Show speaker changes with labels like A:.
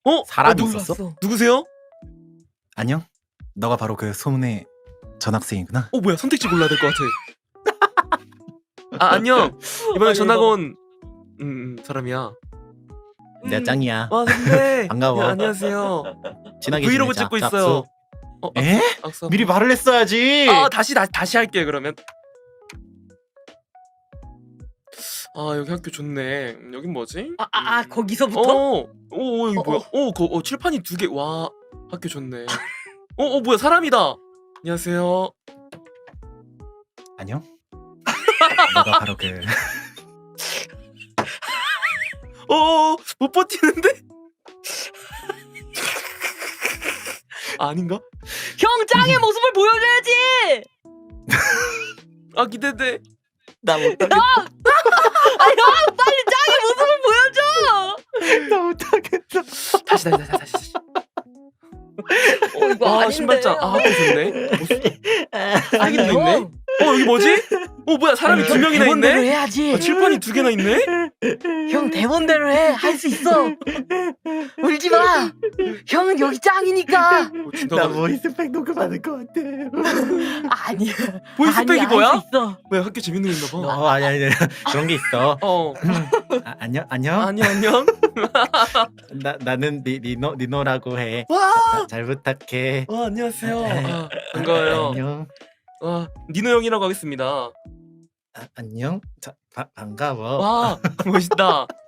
A: 사람이
B: 누구-
A: 있었어?
B: 누구세요?
A: 안녕? 너가 바로 그 소문의 전학생이구나.
B: 뭐야, 선택지 골라야 될 것 같아. 안녕. 이번에 전학 온 사람이야.
A: 내가 짱이야.
B: 와, 선배.
A: 반가워.
B: 안녕하세요.
A: 친하게
B: 브이로그
A: 지내자.
B: 찍고
A: 짝수.
B: 있어요.
A: 에?
B: 악수.
A: 미리 말을 했어야지.
B: 다시 할게요, 그러면. 여기 학교 좋네. 여긴 뭐지?
C: 거기서부터?
B: 여기 뭐야? 칠판이 2개. 와, 학교 좋네. 뭐야, 사람이다. 안녕하세요.
A: 안녕? 너가 바로 그
B: 못 버티는데? 아닌가?
C: 형 짱의 모습을 보여줘야지.
B: 기대돼.
A: 나 못하겠다.
C: 형 빨리 짱의 모습을 보여줘.
A: 나 못하겠다.
B: 다시.
C: 이거 아닌데.
B: 신발장. 학교 좋네.
C: 아니
B: 사기도 있네.
C: 형.
B: 여기 뭐지? 뭐야, 사람이 2명이나
C: 대본대로
B: 있네?
C: 해야지.
B: 칠판이 2개나 있네?
C: 형 대본대로 해. 할 수 있어. 울지 마. 형은 여기 짱이니까.
A: 나 보이스팩 녹음하는 것 같아.
C: 아니야.
B: 보이스팩이
C: 아니야,
B: 뭐야?
C: 할 수 있어.
B: 뭐야, 학교 재밌는 거 있나 봐.
A: 아니 그런 게 있어. 안녕.
B: 안녕.
A: 나는 니노라고 해.
B: 와,
A: 잘 부탁해.
B: 안녕하세요. 반가워요.
A: 안녕.
B: 니노 형이라고 하겠습니다.
A: 안녕. 반가워.
B: 와, 멋있다.